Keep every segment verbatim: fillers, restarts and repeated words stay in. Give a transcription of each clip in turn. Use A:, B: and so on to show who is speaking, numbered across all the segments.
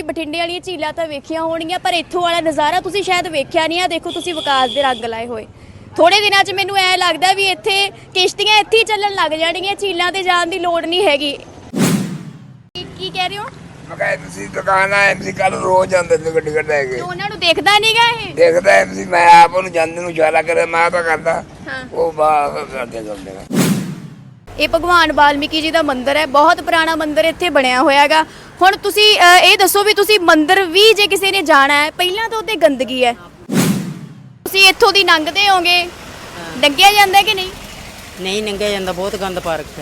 A: ਬਠਿੰਡੇ ਵਾਲੀਆਂ ਝੀਲਾਂ ਤਾਂ ਵੇਖੀਆਂ ਹੋਣਗੀਆਂ, ਪਰ ਇੱਥੋਂ ਵਾਲਾ ਨਜ਼ਾਰਾ ਤੁਸੀਂ ਸ਼ਾਇਦ ਵੇਖਿਆ ਨਹੀਂ ਆ। ਦੇਖੋ ਤੁਸੀਂ ਵਿਕਾਸ ਦੇ ਰੰਗ ਲਾਏ ਹੋਏ। ਥੋੜੇ ਦਿਨਾਂ 'ਚ ਮੈਨੂੰ ਐ ਲੱਗਦਾ ਵੀ ਇੱਥੇ ਕਿਸ਼ਤੀਆਂ ਇੱਥੇ ਹੀ ਚੱਲਣ ਲੱਗ ਜਾਣਗੀਆਂ, ਝੀਲਾਂ ਤੇ ਜਾਣ ਦੀ ਲੋੜ ਨਹੀਂ ਹੈਗੀ। ਕੀ ਕਹਿ ਰਹੇ ਹੋ?
B: ਮੈਂ ਕਿਹਾ ਤੁਸੀਂ ਦੁਕਾਨ ਆ ਐਮਸੀ ਕੱਲ ਰੋਜ਼ ਜਾਂਦੇ ਨੇ ਗੱਡੀ ਕੱਢ ਕੇ।
A: ਉਹਨਾਂ ਨੂੰ ਦੇਖਦਾ ਨਹੀਂਗਾ ਇਹ?
B: ਦੇਖਦਾ ਐਮਸੀ, ਮੈਂ ਆਪ ਉਹਨੂੰ ਜਾਂਦੇ ਨੂੰ ਇਸ਼ਾਰਾ ਕਰੇ, ਮੈਂ ਤਾਂ ਕਰਦਾ, ਉਹ ਬਾਹਰ ਕਰਦੇ ਜਾਂਦੇ ਨੇ।
A: ਇਹ ਭਗਵਾਨ ਵਾਲਮੀਕੀ ਜੀ ਦਾ ਮੰਦਿਰ ਹੈ, ਬਹੁਤ ਪੁਰਾਣਾ ਮੰਦਿਰ ਇੱਥੇ ਬਣਿਆ ਹੋਇਆ ਹੈਗਾ। ਹੁਣ ਤੁਸੀਂ ਇਹ ਦੱਸੋ ਵੀ ਤੁਸੀਂ ਮੰਦਿਰ ਵੀ ਜੇ ਕਿਸੇ ਨੇ ਜਾਣਾ ਹੈ, ਪਹਿਲਾਂ ਤਾਂ ਉੱਤੇ ਗੰਦਗੀ ਹੈ, ਤੁਸੀਂ ਇੱਥੋਂ ਦੀ ਲੰਘਦੇ ਹੋਗੇ, ਲੰਘਿਆ ਜਾਂਦਾ ਕਿ ਨਹੀਂ?
C: ਨਹੀਂ ਲੰਘਿਆ ਜਾਂਦਾ, ਬਹੁਤ ਗੰਦ ਪਾ ਰੱਖਿਆ।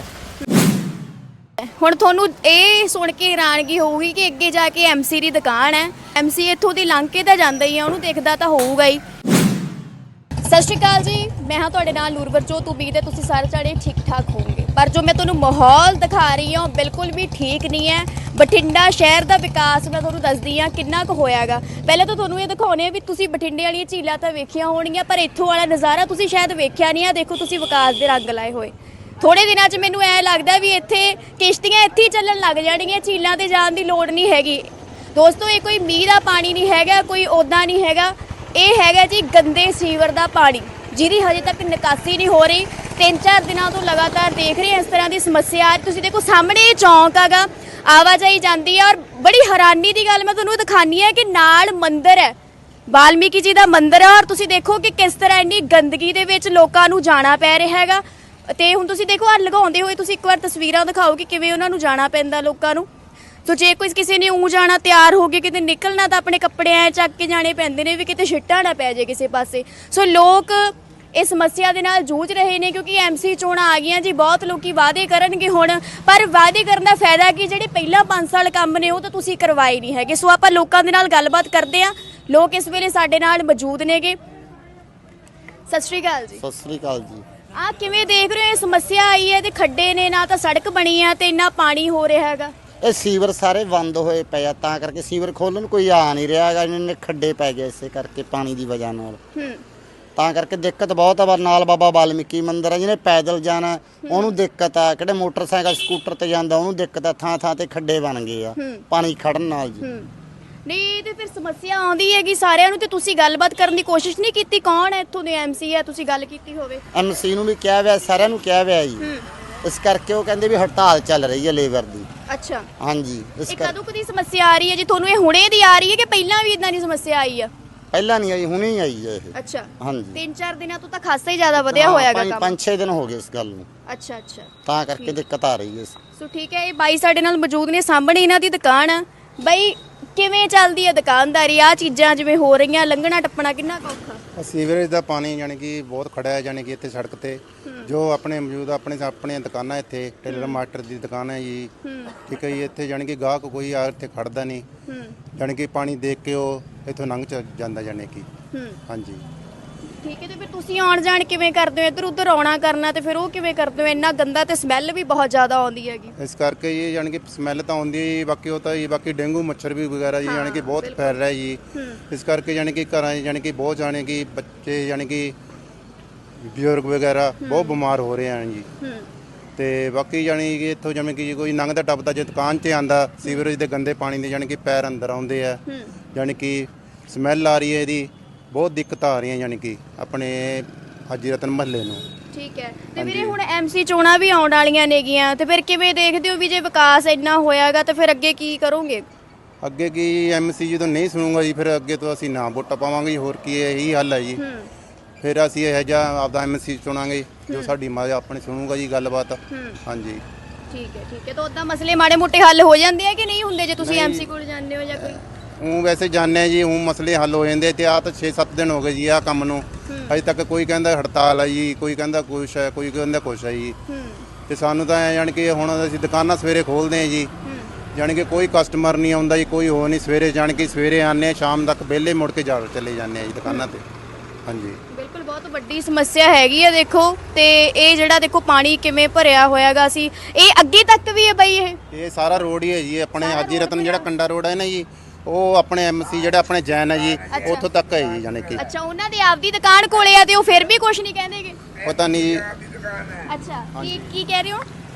A: ਹੁਣ ਤੁਹਾਨੂੰ ਇਹ ਸੁਣ ਕੇ ਹੈਰਾਨਗੀ ਹੋਊਗੀ ਕਿ ਅੱਗੇ ਜਾ ਕੇ ਐਮਸੀ ਦੀ ਦੁਕਾਨ ਹੈ, ਐਮਸੀ ਇੱਥੋਂ ਦੀ ਲੰਘ ਕੇ ਤਾਂ ਜਾਂਦਾ ਹੀ ਆ, ਉਹਨੂੰ ਦੇਖਦਾ ਤਾਂ ਹੋਊਗਾ ਹੀ। ਸਤਿ ਸ਼੍ਰੀ ਅਕਾਲ ਜੀ, ਮੈਂ ਹਾਂ ਤੁਹਾਡੇ ਨਾਲ ਨੂਰਵਰਜੋਤ। ਉਮੀਦ ਹੈ ਤੁਸੀਂ ਸਾਰੇ ਜਾਣੇ ਠੀਕ ਠਾਕ ਹੋਵੋਗੇ, ਪਰ ਜੋ ਮੈਂ ਤੁਹਾਨੂੰ ਮਾਹੌਲ ਦਿਖਾ ਰਹੀ ਹਾਂ ਬਿਲਕੁਲ ਵੀ ਠੀਕ ਨਹੀਂ ਹੈ। ਬਠਿੰਡਾ ਸ਼ਹਿਰ ਦਾ ਵਿਕਾਸ ਮੈਂ ਤੁਹਾਨੂੰ ਦੱਸਦੀ ਹਾਂ ਕਿੰਨਾ ਕੁ ਹੋਇਆਗਾ। ਪਹਿਲਾਂ ਤਾਂ ਤੁਹਾਨੂੰ ਇਹ ਦਿਖਾਉਣੇ ਆ ਵੀ ਤੁਸੀਂ ਬਠਿੰਡੇ ਵਾਲੀਆਂ ਝੀਲਾਂ ਤਾਂ ਵੇਖੀਆਂ ਹੋਣਗੀਆਂ, ਪਰ ਇੱਥੋਂ ਵਾਲਾ ਨਜ਼ਾਰਾ ਤੁਸੀਂ ਸ਼ਾਇਦ ਵੇਖਿਆ ਨਹੀਂ ਆ। ਦੇਖੋ ਤੁਸੀਂ ਵਿਕਾਸ ਦੇ ਰੰਗ ਲਾਏ ਹੋਏ। ਥੋੜੇ ਦਿਨਾਂ 'ਚ ਮੈਨੂੰ ਐ ਲੱਗਦਾ ਵੀ ਇੱਥੇ ਕਿਸ਼ਤੀਆਂ ਇੱਥੇ ਹੀ ਚੱਲਣ ਲੱਗ ਜਾਣਗੀਆਂ, ਝੀਲਾਂ ਤੇ ਜਾਣ ਦੀ ਲੋੜ ਨਹੀਂ ਹੈਗੀ। ਦੋਸਤੋ ਇਹ ਕੋਈ ਮੀਂਹ ਦਾ ਪਾਣੀ ਨਹੀਂ ਹੈਗਾ, ਕੋਈ ਉੱਦਾਂ ਨਹੀਂ ਹੈਗਾ, ਇਹ ਹੈਗਾ ਜੀ ਗੰਦੇ ਸੀਵਰ ਦਾ ਪਾਣੀ, ਜਿਹਦੀ ਹਜੇ ਤੱਕ ਨਿਕਾਸੀ ਨਹੀਂ ਹੋ ਰਹੀ। ਤਿੰਨ ਚਾਰ ਦਿਨਾਂ ਤੋਂ ਲਗਾਤਾਰ ਦੇਖ ਰਹੇ ਇਸ ਤਰ੍ਹਾਂ ਦੀ ਸਮੱਸਿਆ। ਤੁਸੀਂ ਦੇਖੋ ਸਾਹਮਣੇ ਇਹ ਚੌਂਕ ਹੈਗਾ, ਆਵਾਜਾਈ ਜਾਂਦੀ ਹੈ, ਔਰ ਬੜੀ ਹੈਰਾਨੀ ਦੀ ਗੱਲ ਮੈਂ ਤੁਹਾਨੂੰ ਦਿਖਾਨੀ ਹੈ ਕਿ ਨਾਲ ਮੰਦਿਰ ਹੈ, ਵਾਲਮੀਕੀ ਜੀ ਦਾ ਮੰਦਿਰ ਹੈ, ਔਰ ਤੁਸੀਂ ਦੇਖੋ ਕਿ ਕਿਸ ਤਰ੍ਹਾਂ ਇੰਨੀ ਗੰਦਗੀ ਦੇ ਵਿੱਚ ਲੋਕਾਂ ਨੂੰ ਜਾਣਾ ਪੈ ਰਿਹਾ ਹੈਗਾ। ਤੇ ਹੁਣ ਤੁਸੀਂ ਦੇਖੋ ਆ ਲਗਾਉਂਦੇ ਹੋਏ ਤੁਸੀਂ ਇੱਕ ਵਾਰ ਤਸਵੀਰਾਂ ਦਿਖਾਓ ਕਿ ਕਿਵੇਂ ਉਹਨਾਂ ਨੂੰ ਜਾਣਾ ਪੈਂਦਾ ਲੋਕਾਂ ਨੂੰ। ਸੋ ਜੇ ਕੋਈ ਕਿਸੇ ਨੇ ਊਂ ਜਾਣਾ, ਤਿਆਰ ਹੋ ਕੇ ਕਿਤੇ ਨਿਕਲਣਾ, ਤਾਂ ਆਪਣੇ ਕੱਪੜੇ ਐ ਚੱਕ ਕੇ ਜਾਣੇ ਪੈਂਦੇ ਨੇ ਵੀ ਕਿਤੇ ਛਿੱਟਾ ਨਾ ਪੈ ਜਾਏ ਕਿਸੇ ਪਾਸੇ। ਸੋ ਲੋਕ ਇਸ ਸਮੱਸਿਆ ਦੇ ਨਾਲ ਜੂਝ ਰਹੇ ਨੇ ਕਿਉਂਕਿ ਐਮਸੀ ਚੋਣਾਂ ਆ ਗਈਆਂ ਜੀ। ਬਹੁਤ ਲੋਕੀ ਵਾਅਦੇ ਕਰਨਗੇ ਹੁਣ, ਪਰ ਵਾਅਦੇ ਕਰਨ ਦਾ ਫਾਇਦਾ ਕੀ, ਜਿਹੜੇ ਪਹਿਲਾਂ ਪੰਜ ਸਾਲ ਕੰਮ ਨੇ ਉਹ ਤਾਂ ਤੁਸੀਂ ਕਰਵਾਏ ਨਹੀਂ ਹੈਗੇ। ਸੋ ਆਪਾਂ ਲੋਕਾਂ ਦੇ ਨਾਲ ਗੱਲਬਾਤ ਕਰਦੇ ਹਾਂ। ਲੋਕ ਇਸ ਵੇਲੇ ਸਾਡੇ ਨਾਲ ਮੌਜੂਦ ਨੇਗੇ। ਸਤਿ ਸ਼੍ਰੀ ਅਕਾਲ ਜੀ।
D: ਸਤਿ ਸ੍ਰੀ ਅਕਾਲ ਜੀ।
A: ਆ ਕਿਵੇਂ ਦੇਖ ਰਹੇ ਹੋ ਇਹ ਸਮੱਸਿਆ ਆਈ ਹੈ ਤੇ ਖੱਡੇ ਨੇ, ਨਾ ਤਾਂ ਸੜਕ ਬਣੀ ਆ ਤੇ ਇੰਨਾ ਪਾਣੀ ਹੋ ਰਿਹਾ ਹੈਗਾ।
D: ਇਹ ਸੀਵਰ ਸਾਰੇ ਬੰਦ ਹੋਏ ਪਏ ਆ, ਤਾਂ ਕਰਕੇ ਸੀਵਰ ਖੋਲਣ ਨੂੰ ਕੋਈ ਆ ਨਹੀਂ ਰਿਹਾ ਹੈਗਾ। ਇਹਨਾਂ ਨੇ ਖੱਡੇ ਪੈ ਗਏ ਇਸੇ ਕਰਕੇ ਪਾਣੀ ਦੀ ਵਜ੍ਹਾ ਨਾਲ,
A: ਹੂੰ
D: ਤਾਂ ਕਰਕੇ ਦਿੱਕਤ ਬਹੁਤ ਆ। ਨਾਲ ਬਾਬਾ ਵਾਲਮੀਕੀ ਮੰਦਿਰ ਆ, ਜਿਹਨੇ ਪੈਦਲ ਜਾਣਾ ਉਹਨੂੰ ਦਿੱਕਤ ਆ, ਕਿਹੜੇ ਮੋਟਰਸਾਈਕਲ ਸਕੂਟਰ ਤੇ ਜਾਂਦਾ ਉਹਨੂੰ ਦਿੱਕਤ ਆ। ਥਾਂ ਥਾਂ ਤੇ ਖੱਡੇ ਬਣ ਗਏ ਆ ਪਾਣੀ ਖੜਨ ਨਾਲ ਜੀ।
A: ਨਹੀਂ ਤੇ ਫਿਰ ਸਮੱਸਿਆ ਆਉਂਦੀ ਹੈਗੀ ਸਾਰਿਆਂ ਨੂੰ, ਤੇ ਤੁਸੀਂ ਗੱਲਬਾਤ ਕਰਨ ਦੀ ਕੋਸ਼ਿਸ਼ ਨਹੀਂ ਕੀਤੀ? ਕੌਣ ਹੈ ਇੱਥੋਂ ਦੇ ਐਮਸੀ ਹੈ, ਤੁਸੀਂ ਗੱਲ ਕੀਤੀ ਹੋਵੇ?
D: ਐਮਸੀ ਨੂੰ ਵੀ ਕਿਹਾ ਹੋਇਆ, ਸਾਰਿਆਂ ਨੂੰ ਕਿਹਾ ਹੋਇਆ ਜੀ। ਇਸ ਕਰਕੇ ਉਹ ਕਹਿੰਦੇ ਵੀ ਹੜਤਾਲ ਚੱਲ ਰਹੀ ਹੈ ਲੇਬਰ ਦੀ।
A: ਅੱਛਾ
D: ਹਾਂਜੀ। ਇਸ
A: ਇਹ
D: ਕਰ
A: ਕਦੋਂ ਕਦੀ ਸਮੱਸਿਆ ਆ ਰਹੀ ਹੈ ਜੀ ਤੁਹਾਨੂੰ? ਇਹ ਹੁਣੇ ਦੀ ਆ ਰਹੀ ਹੈ ਕਿ ਪਹਿਲਾਂ ਵੀ ਇਦਾਂ ਦੀ ਸਮੱਸਿਆ ਆਈ ਆ?
D: ਪਹਿਲਾਂ ਨਹੀਂ ਆਈ, ਹੁਣੇ ਹੀ ਆਈ ਹੈ ਇਹ।
A: ਅੱਛਾ
D: ਹਾਂਜੀ।
A: ਤਿੰਨ ਚਾਰ ਦਿਨਾਂ ਤੋਂ ਤਾਂ ਖਾਸਾ ਹੀ ਜ਼ਿਆਦਾ ਵਧਿਆ ਹੋਇਆਗਾ ਕੰਮ।
D: ਪੰਜ ਛੇ ਦਿਨ ਹੋ ਗਏ ਇਸ ਗੱਲ ਨੂੰ।
A: ਅੱਛਾ ਅੱਛਾ,
D: ਤਾਂ ਕਰਕੇ ਦਿੱਕਤ ਆ ਰਹੀ ਹੈ।
A: ਸੋ ਠੀਕ ਹੈ, ਇਹ ਬਾਈ ਸਾਡੇ ਨਾਲ ਮੌਜੂਦ ਨੇ, ਸਾਹਮਣੇ ਇਹਨਾਂ ਦੀ ਦੁਕਾਨ ਆ। ਬਾਈ ਕਿਵੇਂ ਚੱਲਦੀ ਹੈ ਦੁਕਾਨਦਾਰੀ? ਆ ਚੀਜ਼ਾਂ ਜਿਵੇਂ ਹੋ ਰਹੀਆਂ, ਲੰਘਣਾ ਟੱਪਣਾ ਕਿੰਨਾ ਕੁ ਔਖਾ?
E: ਸੀਵਰੇਜ ਦਾ ਪਾਣੀ ਯਾਨੀ ਕਿ ਬਹੁਤ ਖੜਾ ਹੈ, ਯਾਨੀ ਕਿ ਇੱਥੇ ਸੜਕ ਤੇ ਜੋ ਆਪਣੇ ਮੌਜੂਦ ਆਪਣੇ ਆਪਣੀਆਂ ਦੁਕਾਨਾਂ, ਇੱਥੇ ਟੇਲਰ ਮਾਸਟਰ ਦੀ ਦੁਕਾਨ ਹੈ ਜੀ, ਠੀਕ ਹੈ ਜੀ। ਇੱਥੇ ਯਾਨੀ ਕਿ ਗਾਹਕ ਕੋਈ ਆ ਇੱਥੇ ਖੜਦਾ ਨਹੀਂ, ਯਾਨੀ ਕਿ ਪਾਣੀ ਦੇਖ ਕੇ ਉਹ ਇੱਥੋਂ ਲੰਘ ਚ ਜਾਂਦਾ ਯਾਨੀ ਕਿ। ਹਾਂਜੀ
A: ਠੀਕ ਹੈ, ਤੇ ਫਿਰ ਤੁਸੀਂ ਆਉਣ ਜਾਣ ਕਿਵੇਂ ਕਰਦੇ ਹੋ? ਇੱਧਰ ਉੱਧਰ ਆਉਣਾ ਕਰਨਾ ਤੇ ਫਿਰ ਉਹ ਕਿਵੇਂ ਕਰਦੇ ਹੋ? ਇੰਨਾ ਗੰਦਾ ਤੇ ਸਮੈਲ ਵੀ ਬਹੁਤ ਜ਼ਿਆਦਾ ਆਉਂਦੀ ਹੈਗੀ।
E: ਇਸ ਕਰਕੇ ਇਹ ਯਾਨੀ ਕਿ ਸਮੈਲ ਤਾਂ ਆਉਂਦੀ ਹੈ, ਬਾਕੀ ਉਹ ਤਾਂ ਜੀ ਬਾਕੀ ਡੇਂਗੂ ਮੱਛਰ ਵੀ ਵਗੈਰਾ ਜੀ ਯਾਨੀ ਕਿ ਬਹੁਤ ਫੈਲ ਰਿਹਾ ਜੀ। ਇਸ ਕਰਕੇ ਯਾਨੀ ਕਿ ਘਰਾਂ ਯਾਨੀ ਕਿ ਬਹੁਤ ਜਾਣੇ ਕਿ ਬੱਚੇ ਯਾਨੀ ਕਿ ਬਜ਼ੁਰਗ ਵਗੈਰਾ ਬਹੁਤ ਬਿਮਾਰ ਹੋ ਰਹੇ ਹਨ ਜੀ। ਤੇ ਬਾਕੀ ਯਾਨੀ ਕਿ ਇੱਥੋਂ ਜਿਵੇਂ ਕਿ ਕੋਈ ਲੰਘਦਾ ਟੱਪਦਾ ਜੇ ਦੁਕਾਨ 'ਤੇ ਆਂਦਾ, ਸੀਵਰੇਜ ਦੇ ਗੰਦੇ ਪਾਣੀ ਦੇ ਯਾਨੀ ਕਿ ਪੈਰ ਅੰਦਰ ਆਉਂਦੇ ਆ, ਯਾਨੀ ਕਿ ਸਮੈਲ ਆ ਰਹੀ ਹੈ ਇਹਦੀ, ਬਹੁਤ ਦਿੱਕਤ ਆ ਰਹੀਆਂ ਯਾਨੀ ਕਿ ਆਪਣੇ ਹਾਜੀ ਰਤਨ ਮਹੱਲੇ ਨੂੰ। ਠੀਕ ਹੈ,
A: ਤੇ ਵੀਰੇ ਹੁਣ ਐਮਸੀ ਚੋਣਾਂ ਵੀ ਆਉਣ ਵਾਲੀਆਂ ਨੇਗੀਆਂ, ਤੇ ਫਿਰ ਕਿਵੇਂ ਦੇਖਦੇ ਹੋ ਵੀ ਜੇ ਵਿਕਾਸ ਇੰਨਾ ਹੋਇਆਗਾ ਤਾਂ ਫਿਰ ਅੱਗੇ ਕੀ ਕਰੋਗੇ?
E: ਅੱਗੇ ਕੀ, ਐਮਸੀ ਜਦੋਂ ਨਹੀਂ ਸੁਣੂਗਾ ਜੀ ਫਿਰ ਅੱਗੇ ਤੋਂ ਅਸੀਂ ਨਾ ਵੋਟਾਂ ਪਾਵਾਂਗੇ, ਹੋਰ ਕੀ ਹੈ, ਇਹੀ ਹੱਲ ਹੈ ਜੀ। ਫਿਰ ਅਸੀਂ ਇਹ ਜਿਹਾ ਆਪਦਾ ਐਮਸੀ ਚੁਣਾਂਗੇ ਜੋ ਸਾਡੀ ਮਾਂ ਆਪਣੇ ਸੁਣੂਗਾ ਜੀ ਗੱਲਬਾਤ। ਹਾਂਜੀ
A: ਠੀਕ ਹੈ ਠੀਕ ਹੈ, ਤਾਂ ਉਦਾਂ ਮਸਲੇ ਮਾੜੇ ਮੋਟੇ ਹੱਲ ਹੋ ਜਾਂਦੇ ਆ ਕਿ ਨਹੀਂ ਹੁੰਦੇ ਜੇ ਤੁਸੀਂ ਐਮਸੀ ਕੋਲ ਜਾਂਦੇ ਹੋ ਜਾਂ ਕੋਈ?
E: ਉਹ ਵੈਸੇ ਜਾਣਦੇ ਜੀ, ਉਹ ਮਸਲੇ ਹੱਲ ਹੋ ਜਾਂਦੇ। ਤੇ ਆ ਤਾਂ ਛੇ ਸੱਤ ਦਿਨ ਹੋ ਗਏ ਜੀ ਆ ਕੰਮ ਨੂੰ, ਅਜੇ ਤੱਕ ਕੋਈ ਕਹਿੰਦਾ ਹੜਤਾਲ ਹੈ ਜੀ, ਕੋਈ ਕਹਿੰਦਾ ਕੁਛ ਹੈ, ਕੋਈ ਕਹਿੰਦਾ ਕੁਛ ਹੈ ਜੀ। ਤੇ ਸਾਨੂੰ ਤਾਂ ਯਾਨੀ ਕਿ ਹੁਣ ਅਸੀਂ ਦੁਕਾਨਾਂ ਸਵੇਰੇ ਖੋਲ੍ਹਦੇ ਹਾਂ ਜੀ, ਯਾਨੀ ਕਿ ਕੋਈ ਕਸਟਮਰ ਨਹੀਂ ਆਉਂਦਾ ਜੀ, ਕੋਈ ਹੋ ਨਹੀਂ। ਸਵੇਰੇ ਯਾਨੀ ਕਿ ਸਵੇਰੇ ਆਉਂਦੇ ਹਾਂ, ਸ਼ਾਮ ਤੱਕ ਵਿਹਲੇ ਮੁੜ ਕੇ ਜਾ ਚਲੇ ਜਾਂਦੇ ਹਾਂ ਜੀ ਦੁਕਾਨਾਂ 'ਤੇ। ਹਾਂਜੀ
A: ਬਿਲਕੁਲ, ਬਹੁਤ ਵੱਡੀ ਸਮੱਸਿਆ ਹੈਗੀ ਆ ਦੇਖੋ। ਤੇ ਇਹ ਜਿਹੜਾ ਦੇਖੋ ਪਾਣੀ ਕਿਵੇਂ ਭਰਿਆ ਹੋਇਆਗਾ, ਸੀ ਇਹ ਅੱਗੇ ਤੱਕ ਵੀ ਹੈ ਬਈ? ਇਹ
E: ਇਹ ਸਾਰਾ ਰੋਡ ਹੀ ਹੈ ਜੀ ਆਪਣੇ ਹਾਜੀ ਰਤਨ ਜਿਹੜਾ ਕੰਡਾ ਰੋਡ ਹੈ ਨਾ ਜੀ, ਉਹ ਆਪਣੇ ਐਮਸੀ ਜਿਹੜਾ ਆਪਣੇ ਜੈਨ ਹੈ ਜੀ, ਉੱਥੋਂ ਤੱਕ ਹੈ ਜੀ ਯਾਨੀ ਕਿ।
A: ਅੱਛਾ, ਉਹਨਾਂ ਦੀ ਆਪਦੀ ਦੁਕਾਨ ਕੋਲੇ ਆ ਤੇ ਉਹ ਫਿਰ ਵੀ ਕੁਝ ਨਹੀਂ ਕਹਿੰਦੇਗੇ?
E: ਪਤਾ ਨਹੀਂ ਜੀ।
A: ਅੱਛਾ, ਕੀ ਕੀ ਕਹਿ ਰਹੇ ਹੋ?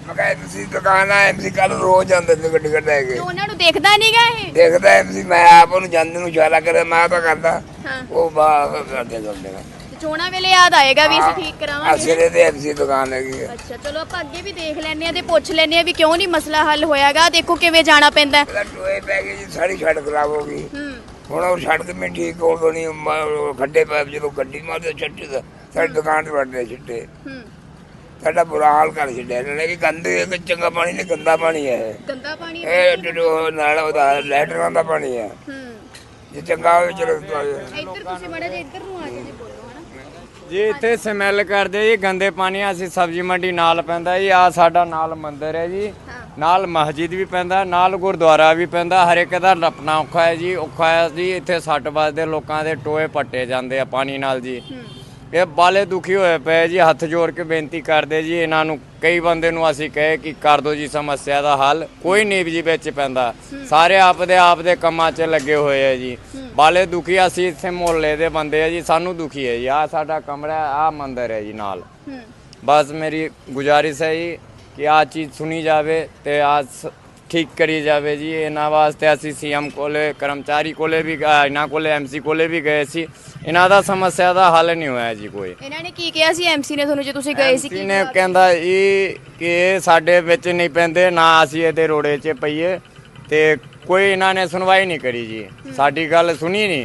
B: ਮੈਂ ਕਿਹਾ ਐਮਸੀ ਦੁਕਾਨ ਆ ਐਮਸੀ ਕੱਲ ਰੋਜ਼ ਜਾਂਦੇ ਨੇ ਗੱਡੀ ਕੱਢ
A: ਤੇ
B: ਕੇ
A: ਉਹਨਾਂ ਨੂੰ ਦੇਖਦਾ ਨਹੀਂਗਾ ਇਹ
B: ਦੇਖਦਾ ਐਮਸੀ ਮੈਂ ਆਪ ਉਹਨੂੰ ਜਾਂਦੇ ਨੂੰ ਇਸ਼ਾਰਾ ਕਰੇ ਮੈਂ ਤਾਂ ਕਰਦਾ
A: ਹਾਂ
B: ਉਹ ਬਾਹਰ ਕਰਦੇ ਜਾਂਦੇ ਨੇ
A: ਤੇ ਚੋਣਾਂ ਵੇਲੇ ਯਾਦ ਆਏਗਾ ਵੀ ਅਸੀਂ ਠੀਕ ਕਰਾਵਾਂਗੇ
B: ਅਸਲੇ ਤੇ ਐਮਸੀ ਦੁਕਾਨ ਹੈਗੀ ਹੈ
A: ਅੱਛਾ ਚਲੋ ਆਪਾਂ ਅੱਗੇ ਵੀ ਦੇਖ ਲੈਂਦੇ ਆ ਤੇ ਪੁੱਛ ਲੈਂਦੇ ਆ ਵੀ ਕਿਉਂ ਨਹੀਂ ਮਸਲਾ ਹੱਲ ਹੋਇਆਗਾ ਦੇਖੋ ਕਿਵੇਂ ਜਾਣਾ ਪੈਂਦਾ
B: ਪਹਿਲਾਂ ਟੋਏ ਪੈ ਗਏ ਜੀ ਸਾਰੀ ਸੜਕ ਖਰਾਬ ਹੋ ਗਈ
A: ਹੂੰ
B: ਹੁਣ ਉਹ ਸੜਕ ਵੀ ਠੀਕ ਹੋ ਗਈ ਨਹੀਂ ਖੱਡੇ ਪੈ ਜਦੋਂ ਗੱਡੀ ਮਾਰਦੇ ਛੱਟੇ ਦਾ ਸਾਡੀ ਦੁਕਾਨ ਤੇ ਵੜਦੇ ਛਿੱਟੇ
A: ਹੂੰ
B: ਸਾਡਾ ਬੁਰਾ ਹਾਲ ਕਰ ਛੱਡਿਆ ਇਹਨਾਂ ਨੇ ਕਿ ਗੰਦੇ ਇੱਕ ਚੰਗਾ ਪਾਣੀ ਨਹੀਂ ਗੰਦਾ ਪਾਣੀ ਹੈ ਇਹ।
A: ਗੰਦਾ ਪਾਣੀ
B: ਇਹ ਡਿਡੋ ਨਾਲ ਉਹਦਾ ਲੈਟਰਾਂ ਦਾ ਪਾਣੀ ਹੈ
A: ਹੂੰ
B: ਜੇ ਚੰਗਾ ਹੋਵੇ ਚਲੋ
A: ਇੱਧਰ ਤੁਸੀਂ ਮੜਾ ਜੇ ਇੱਧਰ ਨੂੰ ਆ ਕੇ ਜੀ ਬੋਲੋ ਹਨਾ
F: ਜੀ ਇੱਥੇ ਸਮੈਲ ਕਰਦੇ ਜੀ ਗੰਦੇ ਪਾਣੀ ਅਸੀਂ ਸਬਜ਼ੀ ਮੰਡੀ ਨਾਲ ਪੈਂਦਾ ਜੀ ਆ ਸਾਡਾ ਨਾਲ ਮੰਦਿਰ ਹੈ ਜੀ ਨਾਲ ਮਸਜਿਦ ਵੀ ਪੈਂਦਾ ਨਾਲ ਗੁਰਦੁਆਰਾ ਵੀ ਪੈਂਦਾ ਹਰ ਇੱਕ ਦਾ ਨੱਪਣਾ ਔਖਾ ਹੈ ਜੀ ਔਖਾ ਹੈ ਜੀ ਇੱਥੇ ਸੱਟ ਵੱਜਦੇ ਲੋਕਾਂ ਦੇ ਟੋਏ ਪੱਟੇ ਜਾਂਦੇ ਆ ਪਾਣੀ ਨਾਲ ਜੀ ਇਹ ਬਾਲੇ ਦੁਖੀ ਹੋਏ ਪਏ ਜੀ ਹੱਥ ਜੋੜ ਕੇ ਬੇਨਤੀ ਕਰਦੇ ਜੀ ਇਹਨਾਂ ਨੂੰ ਕਈ ਬੰਦੇ ਨੂੰ ਅਸੀਂ ਕਹੇ ਕਿ ਕਰ ਦਿਓ ਜੀ ਸਮੱਸਿਆ ਦਾ ਹੱਲ ਕੋਈ ਨਹੀਂ ਜੀ ਵਿੱਚ ਪੈਂਦਾ ਸਾਰੇ ਆਪਦੇ ਆਪ ਦੇ ਕੰਮਾਂ 'ਚ ਲੱਗੇ ਹੋਏ ਆ ਜੀ ਬਾਲੇ ਦੁਖੀ ਅਸੀਂ ਇੱਥੇ ਮੁਹੱਲੇ ਦੇ ਬੰਦੇ ਆ ਜੀ ਸਾਨੂੰ ਦੁਖੀ ਹੈ ਜੀ ਆ ਸਾਡਾ ਕਮਰਾ ਆ ਮੰਦਿਰ ਹੈ ਜੀ ਨਾਲ ਬਸ ਮੇਰੀ ਗੁਜ਼ਾਰਿਸ਼ ਹੈ ਜੀ ਕਿ ਆ ਚੀਜ਼ ਸੁਣੀ ਜਾਵੇ ਤੇ ਆ ਠੀਕ ਕਰੀ ਜਾਵੇ ਜੀ ਇਹਨਾਂ ਵਾਸਤੇ ਅਸੀਂ ਸੀਐਮ ਕੋਲੇ ਕਰਮਚਾਰੀ ਕੋਲੇ ਵੀ ਗਏ ਇਹਨਾਂ ਕੋਲੇ ਐਮਸੀ ਕੋਲੇ ਵੀ ਗਏ ਸੀ ਇਹਨਾਂ ਦਾ ਸਮੱਸਿਆ ਦਾ ਹੱਲ ਨਹੀਂ ਹੋਇਆ ਜੀ ਕੋਈ
A: ਇਹਨਾਂ ਨੇ ਕੀ ਕਿਹਾ ਸੀ ਐਮਸੀ ਨੇ ਤੁਹਾਨੂੰ ਜੇ ਤੁਸੀਂ ਗਏ ਸੀ
F: ਐਮਸੀ ਨੇ ਕਹਿੰਦਾ ਇਹ ਕਿ ਇਹ ਸਾਡੇ ਵਿੱਚ ਨਹੀਂ ਪੈਂਦੇ ਨਾ ਅਸੀਂ ਇਹਦੇ ਰੋੜੇ 'ਚ ਪਈਏ ਤੇ ਕੋਈ ਇਹਨਾਂ ਨੇ ਸੁਣਵਾਈ ਨਹੀਂ ਕਰੀ ਜੀ ਸਾਡੀ ਗੱਲ ਸੁਣੀ ਨਹੀਂ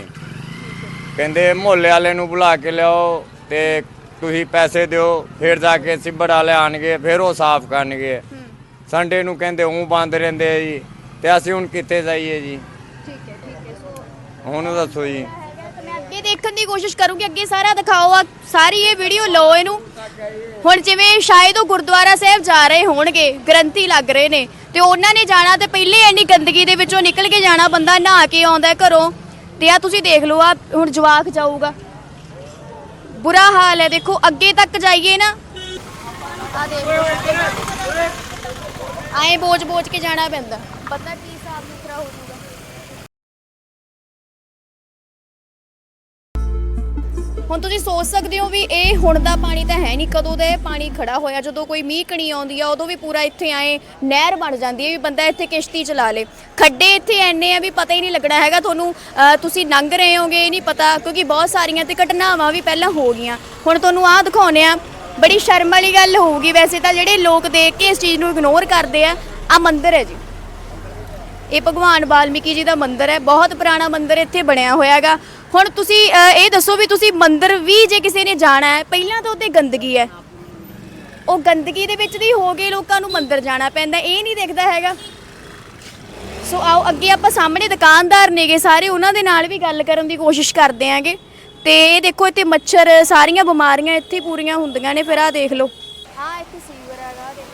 F: ਕਹਿੰਦੇ ਮੁਹੱਲੇ ਵਾਲੇ ਨੂੰ ਬੁਲਾ ਕੇ ਲਿਆਓ ਤੇ ਤੁਸੀਂ ਪੈਸੇ ਦਿਓ ਫਿਰ ਜਾ ਕੇ ਸਿੱਬੜ ਵਾਲੇ ਆਣਗੇ ਫਿਰ ਉਹ ਸਾਫ਼ ਕਰਨਗੇ ਸੰਡੇ ਨੂੰ ਕਹਿੰਦੇ ਉਹ ਬੰਦ ਰਹਿੰਦੇ ਆ ਜੀ ਤੇ ਅਸੀਂ ਹੁਣ ਕਿੱਥੇ ਜਾਈਏ ਜੀ
A: ਠੀਕ ਹੈ ਠੀਕ ਹੈ ਸੋ
F: ਹੁਣ ਦੱਸੋ ਜੀ
A: ਮੈਂ ਅੱਗੇ ਦੇਖਣ ਦੀ ਕੋਸ਼ਿਸ਼ ਕਰੂੰਗੀ ਅੱਗੇ ਸਾਰਾ ਦਿਖਾਓ ਆ ਸਾਰੀ ਇਹ ਵੀਡੀਓ ਲਓ ਇਹਨੂੰ ਹੁਣ ਜਿਵੇਂ ਸ਼ਾਇਦ ਉਹ ਗੁਰਦੁਆਰਾ ਸਾਹਿਬ ਜਾ ਰਹੇ ਹੋਣਗੇ ਗ੍ਰੰਥੀ ਲੱਗ ਰਹੇ ਨੇ ਤੇ ਉਹਨਾਂ ਨੇ ਜਾਣਾ ਤੇ ਪਹਿਲੇ ਇੰਨੀ ਗੰਦਗੀ ਦੇ ਵਿੱਚੋਂ ਨਿਕਲ ਕੇ ਜਾਣਾ ਬੰਦਾ ਨਹਾ ਕੇ ਆਉਂਦਾ ਘਰੋਂ ਤੇ ਆ ਤੁਸੀਂ ਦੇਖ ਲਓ ਆ ਹੁਣ ਜਵਾਕ ਜਾਊਗਾ ਬੁਰਾ ਹਾਲ ਹੈ ਦੇਖੋ ਅੱਗੇ ਤੱਕ ਜਾਈਏ ਨਾ ਆ ਦੇਖ ਲਓ ਆਏ ਬੋਝ ਬੋਝ ਕੇ ਜਾਣਾ ਪੈਂਦਾ ਪਤਾ ਕੀ ਹਿਸਾਬ ਸੁਥਰਾ ਹੋ ਜਾਊਗਾ ਹੁਣ ਤੁਸੀਂ ਸੋਚ ਸਕਦੇ ਹੋ ਵੀ ਇਹ ਹੁਣ ਦਾ ਪਾਣੀ ਤਾਂ ਹੈ ਨਹੀਂ ਕਦੋਂ ਦਾ ਇਹ ਪਾਣੀ ਖੜਾ ਹੋਇਆ ਜਦੋਂ ਕੋਈ ਮੀਂਹ ਕਣੀ ਆਉਂਦੀ ਆ ਉਦੋਂ ਵੀ ਪੂਰਾ ਇੱਥੇ ਆਏ ਨਹਿਰ ਬਣ ਜਾਂਦੀ ਹੈ ਵੀ ਬੰਦਾ ਇੱਥੇ ਕਿਸ਼ਤੀ ਚਲਾ ਲੇ ਖੱਡੇ ਇੱਥੇ ਐਨੇ ਆ ਵੀ ਪਤਾ ਹੀ ਨਹੀਂ ਲੱਗਣਾ ਹੈਗਾ ਤੁਹਾਨੂੰ ਤੁਸੀਂ ਲੰਘ ਰਹੇ ਹੋਗੇ ਇਹ ਨਹੀਂ ਪਤਾ ਕਿਉਂਕਿ ਬਹੁਤ ਸਾਰੀਆਂ ਤੇ ਘਟਨਾਵਾਂ ਵੀ ਪਹਿਲਾਂ ਹੋ ਗਈਆਂ ਹੁਣ ਤੁਹਾਨੂੰ ਆਹ ਦਿਖਾਉਂਦੇ ਆ ਬੜੀ ਸ਼ਰਮ ਵਾਲੀ ਗੱਲ ਹੋਊਗੀ ਵੈਸੇ ਤਾਂ ਜਿਹੜੇ ਲੋਕ ਦੇਖ ਕੇ ਇਸ ਚੀਜ਼ ਨੂੰ ਇਗਨੋਰ ਕਰਦੇ ਆ ਆ ਮੰਦਿਰ ਹੈ ਜੀ ਇਹ ਭਗਵਾਨ ਵਾਲਮੀਕੀ ਜੀ ਦਾ ਮੰਦਿਰ ਹੈ ਬਹੁਤ ਪੁਰਾਣਾ ਮੰਦਿਰ ਇੱਥੇ ਬਣਿਆ ਹੋਇਆ ਹੈਗਾ ਹੁਣ ਤੁਸੀਂ ਇਹ ਦੱਸੋ ਵੀ ਤੁਸੀਂ ਮੰਦਿਰ ਵੀ ਜੇ ਕਿਸੇ ਨੇ ਜਾਣਾ ਹੈ ਪਹਿਲਾਂ ਤਾਂ ਉੱਤੇ ਗੰਦਗੀ ਹੈ ਉਹ ਗੰਦਗੀ ਦੇ ਵਿੱਚ ਦੀ ਹੋ ਕੇ ਲੋਕਾਂ ਨੂੰ ਮੰਦਿਰ ਜਾਣਾ ਪੈਂਦਾ ਇਹ ਨਹੀਂ ਦਿਖਦਾ ਹੈਗਾ ਸੋ ਆਓ ਅੱਗੇ ਆਪਾਂ ਸਾਹਮਣੇ ਦੁਕਾਨਦਾਰ ਨੇਗੇ ਸਾਰੇ ਉਹਨਾਂ ਦੇ ਨਾਲ ਵੀ ਗੱਲ ਕਰਨ ਦੀ ਕੋਸ਼ਿਸ਼ ਕਰਦੇ ਆਂਗੇ ਤੇ ਇਹ ਦੇਖੋ ਇੱਥੇ ਮੱਛਰ ਸਾਰੀਆਂ ਬਿਮਾਰੀਆਂ ਇੱਥੇ ਪੂਰੀਆਂ ਹੁੰਦੀਆਂ ਨੇ ਫਿਰ ਆਹ ਦੇਖ ਲਓ ਆਹ ਇੱਥੇ ਸੀਵਰ ਹੈਗਾ ਆਹ ਦੇਖ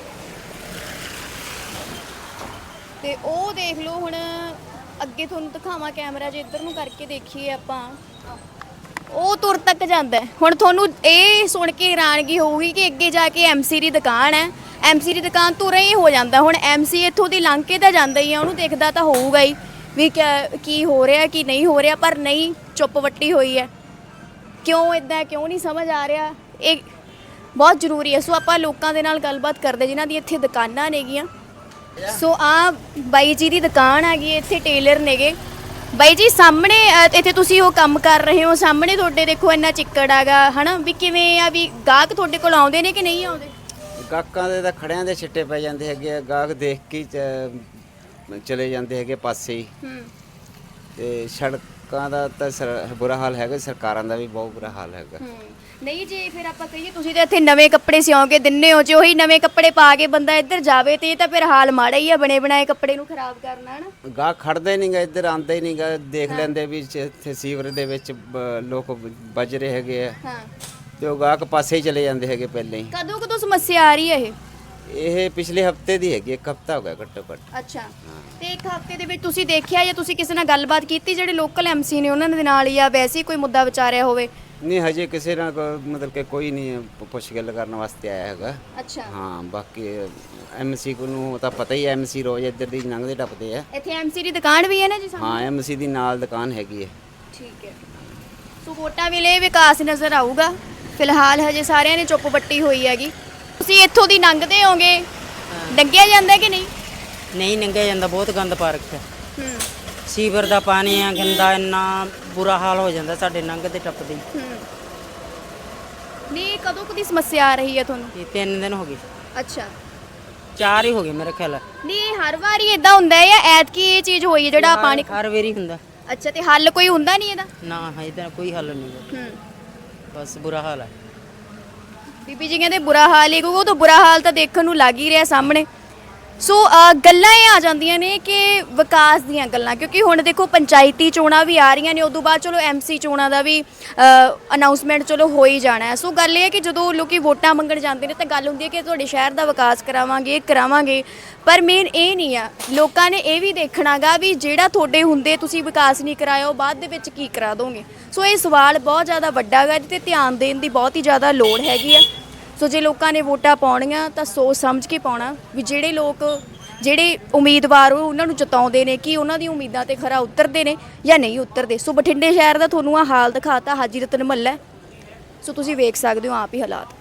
A: ਤੇ ਉਹ ਦੇਖ ਲਓ ਹੁਣ ਅੱਗੇ ਤੁਹਾਨੂੰ ਦਿਖਾਵਾਂ ਕੈਮਰਾ ਜੇ ਇੱਧਰ ਨੂੰ ਕਰਕੇ ਦੇਖੀਏ ਆਪਾਂ ਉਹ ਤੁਰ ਤੱਕ ਜਾਂਦਾ ਹੁਣ ਤੁਹਾਨੂੰ ਇਹ ਸੁਣ ਕੇ ਹੈਰਾਨਗੀ ਹੋਊਗੀ ਕਿ ਅੱਗੇ ਜਾ ਕੇ ਐਮਸੀ ਦੀ ਦੁਕਾਨ ਹੈ ਐਮਸੀ ਦੀ ਦੁਕਾਨ ਤੁਰੇ ਹੀ ਹੋ ਜਾਂਦਾ ਹੁਣ ਐਮਸੀ ਇੱਥੋਂ ਦੀ ਲੰਘ ਕੇ ਤਾਂ ਜਾਂਦਾ ਹੀ ਆ ਉਹਨੂੰ ਦੇਖਦਾ ਤਾਂ ਹੋਊਗਾ ਹੀ ਵੀ ਕੀ ਹੋ ਰਿਹਾ ਕੀ ਨਹੀਂ ਹੋ ਰਿਹਾ ਪਰ ਨਹੀਂ ਚੁੱਪ ਵੱਟੀ ਹੋਈ ਹੈ ਕਿਉਂ ਇਦਾਂ ਕਿਉਂ ਨਹੀਂ ਸਮਝ ਆ ਰਿਹਾ ਇਹ ਬਹੁਤ ਜ਼ਰੂਰੀ ਹੈ ਸੋ ਆਪਾਂ ਲੋਕਾਂ ਦੇ ਨਾਲ ਗੱਲਬਾਤ ਕਰਦੇ ਜਿਨ੍ਹਾਂ ਦੀ ਇੱਥੇ ਦੁਕਾਨਾਂ ਨੇਗੀਆਂ ਸੋ ਆ ਬਾਈ ਜੀ ਦੀ ਦੁਕਾਨ ਹੈਗੀ ਇੱਥੇ ਟੇਲਰ ਨੇਗੇ ਬਾਈ ਜੀ ਸਾਹਮਣੇ ਇੱਥੇ ਤੁਸੀਂ ਉਹ ਕੰਮ ਕਰ ਰਹੇ ਹੋ ਸਾਹਮਣੇ ਤੁਹਾਡੇ ਦੇਖੋ ਇੰਨਾ ਚਿੱਕੜ ਹੈਗਾ ਹਨਾ ਵੀ ਕਿਵੇਂ ਆ ਵੀ ਗਾਹਕ ਤੁਹਾਡੇ ਕੋਲ ਆਉਂਦੇ ਨੇ ਕਿ ਨਹੀਂ ਆਉਂਦੇ
G: ਗਾਹਕਾਂ ਦੇ ਤਾਂ ਖੜਿਆਂ ਦੇ ਛਿੱਟੇ ਪੈ ਜਾਂਦੇ ਹੈਗੇ ਗਾਹਕ ਦੇਖ ਕੇ ਚਲੇ ਜਾਂਦੇ ਹੈਗੇ ਪਾਸੇ ਹੀ ਤੇ ਸੜਕਾਂ ਦਾ ਤਾਂ ਬੁਰਾ ਹਾਲ ਹੈਗਾ ਸਰਕਾਰਾਂ ਦਾ ਵੀ ਬਹੁਤ ਬੁਰਾ ਹਾਲ ਹੈਗਾ
A: ਨਹੀਂ ਜੇ ਫਿਰ ਆਪਾਂ ਕਹੀਏ ਤੁਸੀਂ ਤਾਂ ਇੱਥੇ ਨਵੇਂ ਕੱਪੜੇ ਸਿਉਂਕੇ ਦਿੰਨੇ ਹੋ ਜੇ ਉਹੀ ਨਵੇਂ ਕੱਪੜੇ ਪਾ ਕੇ ਬੰਦਾ ਇੱਧਰ ਜਾਵੇ ਤੇ ਇਹ ਤਾਂ ਫਿਰ ਹਾਲ ਮਾੜਾ ਹੀ ਆ ਬਣੇ ਬਣਾਏ ਕੱਪੜੇ ਨੂੰ ਖਰਾਬ ਕਰਨਾ ਹੈ ਨਾ
G: ਗਾਹਕ ਖੜਦਾ ਹੀ ਨਹੀਂਗਾ ਇੱਧਰ ਆਉਂਦਾ ਹੀ ਨਹੀਂਗਾ ਦੇਖ ਲੈਂਦੇ ਵੀ ਇੱਥੇ ਸੀਵਰ ਦੇ ਵਿੱਚ ਲੋਕ ਵੱਜ ਰਹੇ ਹੈਗੇ ਆ
A: ਹਾਂ
G: ਤੇ ਉਹ ਗਾਹਕ ਪਾਸੇ ਹੀ ਚਲੇ ਜਾਂਦੇ ਹੈਗੇ ਪਹਿਲਾਂ ਹੀ
A: ਕਦੋਂ ਕਦੋਂ ਸਮੱਸਿਆ ਆ ਰਹੀ ਹੈ ਇਹ
G: ਇਹ ਪਿਛਲੇ ਹਫਤੇ ਦੀ ਹੈਗੀ ਇੱਕ ਹਫਤਾ ਹੋ ਗਿਆ ਘੱਟੋ ਘੱਟ
A: ਅੱਛਾ ਤੇ ਇੱਕ ਹਫਤੇ ਦੇ ਵਿੱਚ ਤੁਸੀਂ ਦੇਖਿਆ ਜਾਂ ਤੁਸੀਂ ਕਿਸੇ ਨਾਲ ਗੱਲਬਾਤ ਕੀਤੀ ਜਿਹੜੇ ਲੋਕਲ ਐਮਸੀ ਨੇ ਉਹਨਾਂ ਦੇ ਨਾਲ ਜਾਂ ਵੈਸੇ ਕੋਈ ਮੁੱਦਾ ਵਿਚਾਰਿਆ ਹੋਵੇ
G: ਨਹੀਂ ਹਜੇ ਕਿਸੇ ਨਾਲ ਮਤਲਬ ਕਿ ਕੋਈ ਨਹੀਂ ਪੁੱਛ ਗੱਲ ਕਰਨ ਵਾਸਤੇ ਆਇਆ ਹੈਗਾ
A: ਅੱਛਾ
G: ਹਾਂ ਬਾਕੀ ਐਮਸੀ ਨੂੰ ਤਾਂ ਪਤਾ ਹੀ ਐਮਸੀ ਰੋਜ਼ ਇੱਧਰ ਦੀ ਲੰਘਦੇ ਟੱਪਦੇ ਆ
A: ਇੱਥੇ ਐਮਸੀ ਦੀ ਦੁਕਾਨ ਵੀ ਹੈ ਨਾ ਜੀ
G: ਹਾਂ ਐਮਸੀ ਦੀ ਨਾਲ ਦੁਕਾਨ ਹੈਗੀ ਹੈ
A: ਠੀਕ ਹੈ ਸੋ ਵੋਟਾਂ ਵੇਲੇ ਵਿਕਾਸ ਨਜ਼ਰ ਆਊਗਾ ਫਿਲਹਾਲ ਹਜੇ ਸਾਰਿਆਂ ਨੇ ਚੁੱਪ ਬੱਟੀ ਹੋਈ ਹੈਗੀ ਤੁਸੀਂ ਇੱਥੋਂ ਦੀ ਲੰਘਦੇ ਹੋਗੇ ਡੰਗਿਆ ਜਾਂਦਾ ਕਿ ਨਹੀਂ?
C: ਨਹੀਂ ਲੰਘਿਆ ਜਾਂਦਾ, ਬਹੁਤ ਗੰਦ ਪਾ ਰੱਖਿਆ।
A: ਹੂੰ
C: ਸੀਵਰ ਦਾ ਪਾਣੀ ਆ ਗੰਦਾ, ਇੰਨਾ ਬੁਰਾ ਹਾਲ ਹੋ ਜਾਂਦਾ ਸਾਡੇ ਲੰਘਦੇ ਟੱਪਦੇ ਹੀ।
A: ਹੂੰ ਨਹੀਂ ਕਦੋਂ ਕਦੀ ਸਮੱਸਿਆ ਆ ਰਹੀ ਹੈ ਤੁਹਾਨੂੰ?
C: ਇਹ ਤਿੰਨ ਦਿਨ ਹੋ ਗਏ,
A: ਅੱਛਾ
C: ਚਾਰ ਹੀ ਹੋ ਗਏ ਮੇਰੇ ਖਿਆਲ।
A: ਨਹੀਂ ਹਰ ਵਾਰੀ ਇਦਾਂ ਹੁੰਦਾ ਹੈ ਜਾਂ ਐਤਕੀ ਇਹ ਚੀਜ਼ ਹੋਈ ਹੈ ਜਿਹੜਾ ਪਾਣੀ?
C: ਹਰ ਵਾਰੀ ਹੁੰਦਾ।
A: ਅੱਛਾ ਤੇ ਹੱਲ ਕੋਈ ਹੁੰਦਾ ਨਹੀਂ ਇਹਦਾ?
C: ਨਾ ਇਹਦਾ ਕੋਈ ਹੱਲ ਨਹੀਂ ਗਾ।
A: ਹੂੰ
C: ਬਸ ਬੁਰਾ ਹਾਲ ਹੈ।
A: ਬੀਬੀ ਜੀ ਕਹਿੰਦੇ ਬੁਰਾ ਹਾਲ ਹੀ, ਕਿਉਂਕਿ ਉਹ ਤਾਂ ਬੁਰਾ ਹਾਲ ਤਾਂ ਦੇਖਣ ਨੂੰ ਲੱਗ ਹੀ ਰਿਹਾ ਸਾਹਮਣੇ। ਸੋ ਅ, ਗੱਲਾਂ ਇਹ ਆ ਜਾਂਦੀਆਂ ਨੇ ਕਿ ਵਿਕਾਸ ਦੀਆਂ ਗੱਲਾਂ, ਕਿਉਂਕਿ ਹੁਣ ਦੇਖੋ ਪੰਚਾਇਤੀ ਚੋਣਾਂ ਵੀ ਆ ਰਹੀਆਂ ਨੇ, ਉਦੋਂ ਬਾਅਦ ਚਲੋ ਐਮਸੀ ਚੋਣਾਂ ਦਾ ਵੀ ਅਨਾਉਂਸਮੈਂਟ ਚਲੋ ਹੋ ਹੀ ਜਾਣਾ ਹੈ। ਸੋ ਗੱਲ ਇਹ ਹੈ ਕਿ ਜਦੋਂ ਲੋਕੀ ਵੋਟਾਂ ਮੰਗਣ ਜਾਂਦੇ ਨੇ ਤਾਂ ਗੱਲ ਹੁੰਦੀ ਹੈ ਕਿ ਤੁਹਾਡੇ ਸ਼ਹਿਰ ਦਾ ਵਿਕਾਸ ਕਰਾਵਾਂਗੇ, ਇਹ ਕਰਾਵਾਂਗੇ, ਪਰ ਮੇਨ ਇਹ ਨਹੀਂ ਆ। ਲੋਕਾਂ ਨੇ ਇਹ ਵੀ ਦੇਖਣਾਗਾ ਵੀ ਜਿਹੜਾ ਤੁਹਾਡੇ ਹੁੰਦੇ ਤੁਸੀਂ ਵਿਕਾਸ ਨਹੀਂ ਕਰਾਇਆ ਉਹ ਬਾਅਦ ਦੇ ਵਿੱਚ ਕੀ ਕਰਾ ਦੋਗੇ। ਸੋ ਇਹ ਸਵਾਲ ਬਹੁਤ ਜ਼ਿਆਦਾ ਵੱਡਾ ਗਾ, ਜਿਹਤੇ ਧਿਆਨ ਦੇਣ ਦੀ ਬਹੁਤ ਹੀ ਜ਼ਿਆਦਾ ਲੋੜ ਹੈਗੀ ਆ। ਸੋ ਜੇ ਲੋਕਾਂ ਨੇ ਵੋਟਾਂ ਪਾਉਣੀਆਂ ਤਾਂ ਸੋਚ ਸਮਝ ਕੇ ਪਾਉਣਾ ਵੀ ਜਿਹੜੇ ਲੋਕ ਜਿਹੜੇ ਉਮੀਦਵਾਰ ਉਹ ਉਹਨਾਂ ਨੂੰ ਜਿਤਾਉਂਦੇ ਨੇ ਕਿ ਉਹਨਾਂ ਦੀਆਂ ਉਮੀਦਾਂ ਤੇ ਖਰਾ ਉਤਰਦੇ ਨੇ ਜਾਂ ਨਹੀਂ ਉਤਰਦੇ। ਸੋ ਬਠਿੰਡੇ ਸ਼ਹਿਰ ਦਾ ਤੁਹਾਨੂੰ ਆ ਹਾਲ ਦਿਖਾਤਾ, ਹਾਜੀ ਰਤਨ ਮਹੱਲਾ। ਸੋ ਤੁਸੀਂ ਵੇਖ ਸਕਦੇ ਹੋ ਆਪ ਹੀ ਹਾਲਾਤ।